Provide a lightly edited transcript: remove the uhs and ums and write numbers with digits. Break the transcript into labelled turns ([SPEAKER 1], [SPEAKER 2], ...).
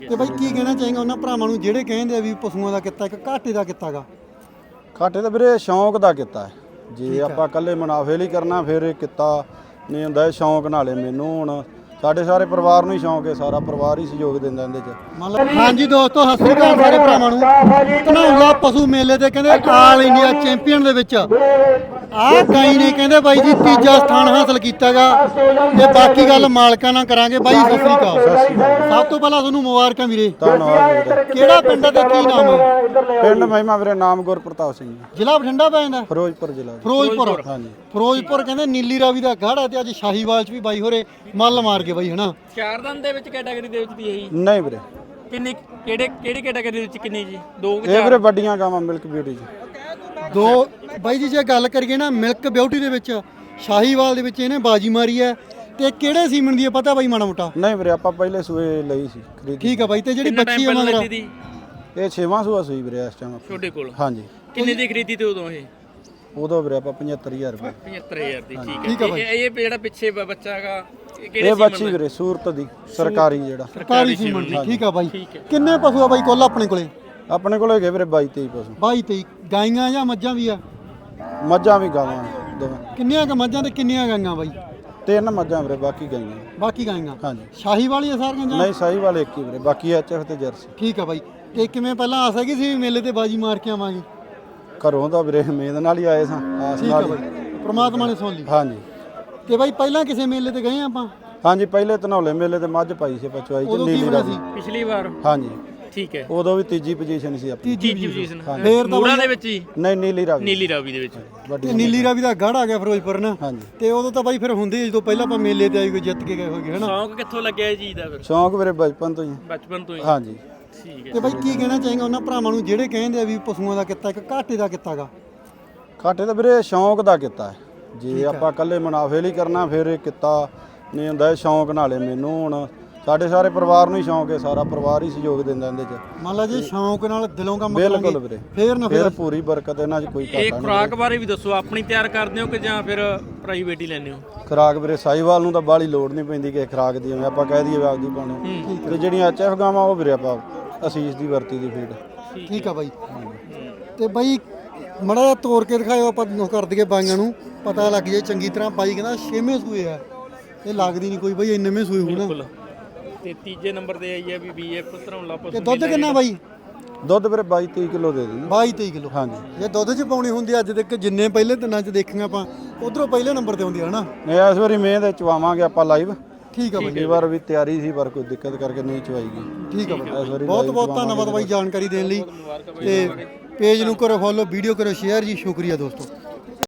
[SPEAKER 1] ਤੇ ਬਾਈ ਕੀ ਕਹਿਣਾ ਚਾਹੀਂਗਾ ਉਹਨਾਂ ਭਰਾਵਾਂ ਨੂੰ ਜਿਹੜੇ ਕਹਿੰਦੇ ਆ ਵੀ ਪਸ਼ੂਆਂ ਦਾ ਕਿੱਤਾ ਇੱਕ ਘਾਟੇ ਦਾ ਕਿੱਤਾ ਗਾ?
[SPEAKER 2] ਘਾਟੇ ਤਾਂ ਵੀਰੇ ਸ਼ੌਂਕ ਦਾ ਕੀਤਾ ਹੈ। ਜੇ ਆਪਾਂ ਇਕੱਲੇ ਮੁਨਾਫੇ ਲਈ ਕਰਨਾ ਫਿਰ ਇਹ ਕਿੱਤਾ ਨਹੀਂ ਹੁੰਦਾ। ਇਹ ਸ਼ੌਂਕ ਨਾਲੇ ਮੈਨੂੰ ਹੁਣ ਸਾਡੇ ਸਾਰੇ ਪਰਿਵਾਰ ਨੂੰ ਹੀ ਸ਼ੌਂਕ ਹੈ, ਸਾਰਾ ਪਰਿਵਾਰ ਹੀ ਸਹਿਯੋਗ ਦਿੰਦਾ ਇਹਦੇ 'ਚ।
[SPEAKER 1] ਹਾਂਜੀ ਦੋਸਤੋ, ਸਤਿ ਸ੍ਰੀ ਅਕਾਲ ਸਾਰੇ ਭਰਾਵਾਂ ਨੂੰ। ਧਨੌਲਾ ਪਸ਼ੂ ਮੇਲੇ ਤੇ ਕਹਿੰਦੇ ਆਲ ਇੰਡੀਆ ਚੈਂਪੀਅਨ ਦੇ ਵਿੱਚ ਆਹ ਗਾਈ ਨੇ ਕਹਿੰਦੇ ਬਾਈ ਜੀ ਤੀਜਾ ਸਥਾਨ ਹਾਸਲ ਕੀਤਾਗਾ। ਤੇ ਬਾਕੀ ਗੱਲ ਮਾਲਕਾਂ ਨਾਲ ਕਰਾਂਗੇ। ਬਾਈ ਸਤਿ ਸ੍ਰੀ ਅਕਾਲ। ਸਭ ਤੋਂ ਪਹਿਲਾਂ ਤੁਹਾਨੂੰ ਮੁਬਾਰਕਾਂ ਵੀਰੇ।
[SPEAKER 2] ਧੰਨਵਾਦ ਵੀਰੇ।
[SPEAKER 1] ਕਿਹੜਾ ਪਿੰਡ ਹੈ ਤੇ ਕੀ ਨਾਮ ਹੈ?
[SPEAKER 2] ਪਿੰਡ ਮਹਿਮਾ ਵੀਰੇ, ਨਾਮ ਗੁਰਪ੍ਰਤਾਪ ਸਿੰਘ,
[SPEAKER 1] ਜ਼ਿਲ੍ਹਾ ਬਠਿੰਡਾ ਪੈ ਜਾਂਦਾ?
[SPEAKER 2] ਫਿਰੋਜ਼ਪੁਰ ਜ਼ਿਲ੍ਹਾ।
[SPEAKER 1] ਫਿਰੋਜ਼ਪੁਰ।
[SPEAKER 2] ਹਾਂਜੀ,
[SPEAKER 1] ਫਿਰੋਜ਼ਪੁਰ ਕਹਿੰਦੇ ਨੀਲੀ ਰਾਵੀ ਦਾ ਗਾੜਾ ਤੇ ਅੱਜ ਸ਼ਾਹੀਵਾਲ ਚ ਵੀ ਬਾਈ ਹੋਰੇ ਮੱਲ ਮਾਰ ਕੇ ਬਾਈ ਹਨਾ।
[SPEAKER 3] ਚਾਰ ਦੰਦ ਦੇ ਵਿੱਚ ਕੈਟਾਗਰੀ ਦੇ ਵਿੱਚ ਦੀ ਹੈ ਜੀ?
[SPEAKER 2] ਨਹੀਂ ਵੀਰੇ।
[SPEAKER 3] ਕਿੰਨੀ ਕਿਹੜੀ ਕੈਟਾਗਰੀ ਦੇ ਵਿੱਚ ਕਿੰਨੀ ਜੀ? ਦੋ ਕਿ
[SPEAKER 2] ਇਹ ਵੀਰੇ ਵੱਡੀਆਂ ਗਾਵਾਂ ਮਿਲਕ ਬਿਊਟੀ ਜੀ।
[SPEAKER 1] ਦੋ ਬਾਈ ਜੀ ਜੇ ਗੱਲ ਕਰੀਏ ਨਾ ਮਿਲਕ ਬਿਊਟੀ ਦੇ ਵਿੱਚ ਸ਼ਾਹੀਵਾਲ ਦੇ ਵਿੱਚ ਇਹਨੇ ਬਾਜੀ ਮਾਰੀ ਹੈ। ਤੇ ਕਿਹੜੇ ਸੀਮਨ ਦੀ ਹੈ ਪਤਾ ਬਾਈ ਮਾੜਾ ਮੋਟਾ?
[SPEAKER 2] ਨਹੀਂ ਵੀਰੇ, ਆਪਾਂ ਪਹਿਲੇ ਸੂਏ ਲਈ ਸੀ ਖਰੀਦ।
[SPEAKER 1] ਠੀਕ ਆ ਬਾਈ। ਤੇ ਜਿਹੜੀ ਬੱਚੀ ਹੈ ਮਗਰ
[SPEAKER 2] ਇਹ 6ਵਾਂ ਸੂਆ ਸੂਈ ਵੀਰੇ ਇਸ ਟਾਈਮ
[SPEAKER 3] ਤੁਹਾਡੇ ਕੋਲ?
[SPEAKER 2] ਹਾਂਜੀ।
[SPEAKER 3] ਕਿੰਨੇ ਦੀ ਖਰੀਦੀ ਤੇ ਉਦੋਂ ਇਹ?
[SPEAKER 2] ਉਦੋਂ ਵੀਰੇ ਆਪਾਂ 75000 ਰੁਪਏ।
[SPEAKER 3] 75000 ਦੀ।
[SPEAKER 1] ਠੀਕ ਹੈ ਬਾਈ।
[SPEAKER 3] ਇਹ ਜਿਹੜਾ ਪਿੱਛੇ ਬੱਚਾ ਹੈਗਾ
[SPEAKER 2] ਇਹ ਬੱਚੀ ਵੀਰੇ ਸੂਰਤ ਦੀ ਸਰਕਾਰੀ ਜਿਹੜਾ
[SPEAKER 1] ਸਰਕਾਰੀ ਸੀਮਨ ਦੀ। ਠੀਕ ਆ ਬਾਈ। ਕਿੰਨੇ ਪਸ਼ੂ ਆ ਬਾਈ ਕੁੱਲ ਆਪਣੇ ਕੋਲੇ?
[SPEAKER 2] ਆਪਣੇ ਕੋਲ ਹੈਗੇ ਵੀਰੇ 22-23 ਪਸ਼ੂ।
[SPEAKER 1] 22-23 ਗਾਈਆਂ ਜਾਂ ਮੱਝਾਂ ਵੀ ਆ?
[SPEAKER 2] ਮੱਝਾਂ ਵੀ ਗਾਵਾਂ ਦੋਵੇਂ।
[SPEAKER 1] ਕਿੰਨੀਆਂ ਕ ਮੱਝਾਂ ਤੇ ਕਿੰਨੀਆਂ ਗਾਈਆਂ ਬਾਈ?
[SPEAKER 2] 3 ਮੱਝਾਂ ਵੀਰੇ, ਬਾਕੀ ਗਾਈਆਂ।
[SPEAKER 1] ਬਾਕੀ ਗਾਈਆਂ
[SPEAKER 2] ਹਾਂਜੀ।
[SPEAKER 1] ਸ਼ਾਹੀਵਾਲ ਹੀ ਆ ਸਾਰੀਆਂ ਜਾਂ?
[SPEAKER 2] ਨਹੀਂ, ਸਾਈ ਵਾਲੇ ਇੱਕ ਹੀ ਵੀਰੇ, ਬਾਕੀ ਐਚਐਫ ਤੇ ਜਰਸੀ।
[SPEAKER 1] ਠੀਕ ਆ ਬਾਈ। ਤੇ ਕਿਵੇਂ ਪਹਿਲਾਂ ਆਸ ਹੈਗੀ ਸੀ ਵੀ ਮੇਲੇ ਤੇ ਬਾਜੀ ਮਾਰ ਕੇ ਆਵਾਂਗੇ?
[SPEAKER 2] ਘਰੋਂ ਤਾਂ ਵੀਰੇ ਉਮੀਦ ਨਾਲ ਹੀ ਆਏ ਸਾਂ, ਆਸ
[SPEAKER 1] ਠੀਕ ਆ
[SPEAKER 2] ਨਾਲ ਹੀ।
[SPEAKER 1] ਬਾਈ, ਪ੍ਰਮਾਤਮਾ ਨੇ ਸੁਣ ਲਈ।
[SPEAKER 2] ਹਾਂਜੀ
[SPEAKER 1] ਤੇ ਬਾਈ ਪਹਿਲਾਂ ਕਿਸੇ ਮੇਲੇ ਤੇ ਗਏ ਆਪਾਂ?
[SPEAKER 2] ਹਾਂਜੀ, ਪਹਿਲੇ ਧਨੌਲੇ ਮੇਲੇ ਤੇ ਮੱਝ ਪਾਈ ਸੀ ਪਚਵਾਈ ਚ
[SPEAKER 1] ਉਦੋਂ ਕੀ
[SPEAKER 2] ਨੀਲੀ
[SPEAKER 1] ਹੋਇਆ
[SPEAKER 2] ਰਾਵੀ।
[SPEAKER 1] ਸੀ?
[SPEAKER 3] ਪਿਛਲੀ ਵਾਰ?
[SPEAKER 2] ਹਾਂਜੀ,
[SPEAKER 3] ਠੀਕ ਹੈ।
[SPEAKER 2] ਉਦੋਂ ਵੀ ਤੀਜੀ ਪੋਜੀਸ਼ਨ ਸੀ ਆਪਣੀ।
[SPEAKER 3] ਤੀਜੀ ਪੋਜੀਸ਼ਨ
[SPEAKER 1] ਫੇਰ ਤਾਂ
[SPEAKER 3] ਮੂੜਾ ਦੇ ਵਿੱਚ ਹੀ?
[SPEAKER 2] ਨਹੀਂ, ਨੀਲੀ ਰਾਵੀ।
[SPEAKER 3] ਨੀਲੀ ਰਾਵੀ ਦੇ ਵਿੱਚ
[SPEAKER 2] ਵੱਡੀ।
[SPEAKER 1] ਤੇ ਨੀਲੀ ਰਾਵੀ ਦਾ ਗੜ ਆ ਗਿਆ ਫਿਰੋਜ਼ਪੁਰ ਨਾ।
[SPEAKER 2] ਹਾਂਜੀ।
[SPEAKER 1] ਤੇ ਉਦੋਂ ਤਾਂ ਬਾਈ ਫਿਰ ਹੁੰਦੇ ਜਦੋਂ ਪਹਿਲਾਂ ਆਪਾਂ ਮੇਲੇ ਤੇ ਆਈ ਕੋਈ ਜਿੱਤ ਕੇ ਗਏ ਹੋਗੇ ਹਨਾ।
[SPEAKER 3] ਸ਼ੌਂਕ ਕਿੱਥੋਂ ਲੱਗਿਆ ਇਹ ਚੀਜ਼ ਦਾ ਫਿਰ?
[SPEAKER 2] ਸ਼ੌਂਕ ਵੀਰੇ ਬਚਪਨ ਤੋਂ ਹੀ।
[SPEAKER 3] ਬਚਪਨ ਤੋਂ ਹੀ?
[SPEAKER 2] ਹਾਂਜੀ।
[SPEAKER 3] ਠੀਕ ਹੈ।
[SPEAKER 1] ਤੇ ਬਾਈ ਕੀ ਕਹਿਣਾ ਚਾਹੀਂਗਾ ਉਹਨਾਂ ਭਰਾਵਾਂ ਨੂੰ ਜਿਹੜੇ ਕਹਿੰਦੇ ਆ ਵੀ ਪਸ਼ੂਆਂ ਦਾ ਕਿੱਤਾ ਇੱਕ ਘਾਟੇ ਦਾ ਕਿੱਤਾ ਗਾ?
[SPEAKER 2] ਘਾਟੇ ਤਾਂ ਵੀਰੇ ਸ਼ੌਂਕ ਦਾ ਕੀਤਾ ਹੈ। ਜੇ ਆਪਾਂ ਇਕੱਲੇ ਮੁਨਾਫੇ ਲਈ ਕਰਨਾ ਫਿਰ ਇਹ ਕਿੱਤਾ ਨਹੀਂ ਹੁੰਦਾ। ਇਹ ਸ਼ੌਂਕ ਨਾਲੇ ਮੈਨੂੰ ਹੁਣ ਸਾਡੇ ਸਾਰੇ ਪਰਿਵਾਰ ਨੂੰ ਹੀ ਸ਼ੌਂਕ ਹੈ, ਸਾਰਾ ਪਰਿਵਾਰ ਹੀ ਸਹਿਯੋਗ ਦਿੰਦਾ ਇਹਦੇ 'ਚ।
[SPEAKER 1] ਮੰਨ ਲਾ ਜੇ ਸ਼ੌਂਕ ਨਾਲ ਦਿਲੋਂ ਕੰਮ
[SPEAKER 2] ਬਿਲਕੁਲ
[SPEAKER 1] ਕਰਾਂਗੇ
[SPEAKER 2] ਵੀਰੇ,
[SPEAKER 1] ਫੇਰ ਨਾ
[SPEAKER 2] ਫਿਰ ਪੂਰੀ ਬਰਕਤ ਇਹਨਾਂ 'ਚ ਕੋਈ ਘਾਟਾ
[SPEAKER 3] ਇਹ
[SPEAKER 2] ਨਹੀਂ।
[SPEAKER 3] ਖੁਰਾਕ ਬਾਰੇ ਵੀ ਦੱਸੋ, ਆਪਣੀ ਤਿਆਰ ਕਰਦੇ ਹੋ ਕਿ ਜਾਂ ਫਿਰ ਪ੍ਰਾਈਵੇਟ ਹੀ ਲੈਂਦੇ ਹੋ?
[SPEAKER 2] ਖੁਰਾਕ ਵੀਰੇ ਸਾਈਵਾਲ ਨੂੰ ਤਾਂ ਬਾਹਲੀ ਲੋੜ ਨਹੀਂ ਪੈਂਦੀ ਕਿ ਖੁਰਾਕ ਦੀ, ਜਿਵੇਂ ਆਪਾਂ ਕਹਿ ਦਈਏ ਆਪਦੀ ਪਾਉਣੀ। ਤੇ ਜਿਹੜੀਆਂ ਐਚਐਫ ਗਾਵਾਂ ਉਹ ਵੀਰੇ ਆਪਾਂ ਅਸੀਸ ਦੀ ਵਰਤੀ ਦੀ ਫੀਡ।
[SPEAKER 1] ਠੀਕ ਆ ਬਾਈ। ਤੇ ਬਾਈ ਮੜਾ ਜਿਹਾ ਤੋੜ ਕੇ ਦਿਖਾਇਓ, ਆਪਾਂ ਕਰ ਦਈਏ ਬਾਈਆਂ ਨੂੰ ਪਤਾ ਲੱਗ ਜਾਏ ਚੰਗੀ ਤਰ੍ਹਾਂ। ਬਾਈ ਕਹਿੰਦਾ 6ਵੇਂ ਸੂਏ ਆ, ਇਹ ਲੱਗਦੀ ਨਹੀਂ ਕੋਈ ਬਾਈ 9ਵੇਂ ਸੂਏ ਹੋਣਾ।
[SPEAKER 3] ਬਿਲਕੁਲ। ਤੇ ਤੀਜੇ ਨੰਬਰ ਤੇ ਆਈ ਹੈ ਵੀ ਬੀਐਫ ਧਨੌਲਾ ਪਸ਼ੂ।
[SPEAKER 1] ਤੇ ਦੁੱਧ ਕਿੰਨਾ ਬਾਈ?
[SPEAKER 2] ਦੁੱਧ ਵੀਰੇ 22-23 ਕਿਲੋ ਦੇ ਦਿੰਦੇ।
[SPEAKER 1] 22-23 ਕਿਲੋ।
[SPEAKER 2] ਹਾਂਜੀ।
[SPEAKER 1] ਜੇ ਦੁੱਧ 'ਚ ਪਾਉਣੀ ਹੁੰਦੀ ਅੱਜ ਤੱਕ ਜਿੰਨੇ ਪਹਿਲੇ ਦਿਨਾਂ 'ਚ ਦੇਖੀਆਂ ਆਪਾਂ ਉਧਰੋਂ ਪਹਿਲੇ ਨੰਬਰ ਤੇ ਆਉਂਦੀ ਹੈ ਹਨਾ।
[SPEAKER 2] ਨਹੀਂ, ਇਸ ਵਾਰੀ ਮਿਹਨਤ ਦੇ ਚਵਾਵਾਂਗੇ ਆਪਾਂ ਲਾਈਵ।
[SPEAKER 1] ਠੀਕ ਆ ਬਾਈ।
[SPEAKER 2] ਪਿਛਲੀ ਵਾਰ ਵੀ ਤਿਆਰੀ ਸੀ ਪਰ ਕੋਈ ਦਿੱਕਤ ਕਰਕੇ ਨਹੀਂ ਚਵਾਈ ਗਈ।
[SPEAKER 1] ਠੀਕ ਆ ਬਾਈ,
[SPEAKER 2] ਇਸ ਵਾਰੀ
[SPEAKER 1] ਬਹੁਤ
[SPEAKER 2] live
[SPEAKER 1] ਬਹੁਤ ਧੰਨਵਾਦ ਬਾਈ ਜਾਣਕਾਰੀ ਦੇਣ ਲਈ। ਤੇ ਪੇਜ ਨੂੰ ਕਰੋ ਫੋਲੋ, ਵੀਡੀਓ ਕਰੋ ਸ਼ੇਅਰ ਜੀ। ਸ਼ੁਕਰੀਆ ਦੋਸਤੋ।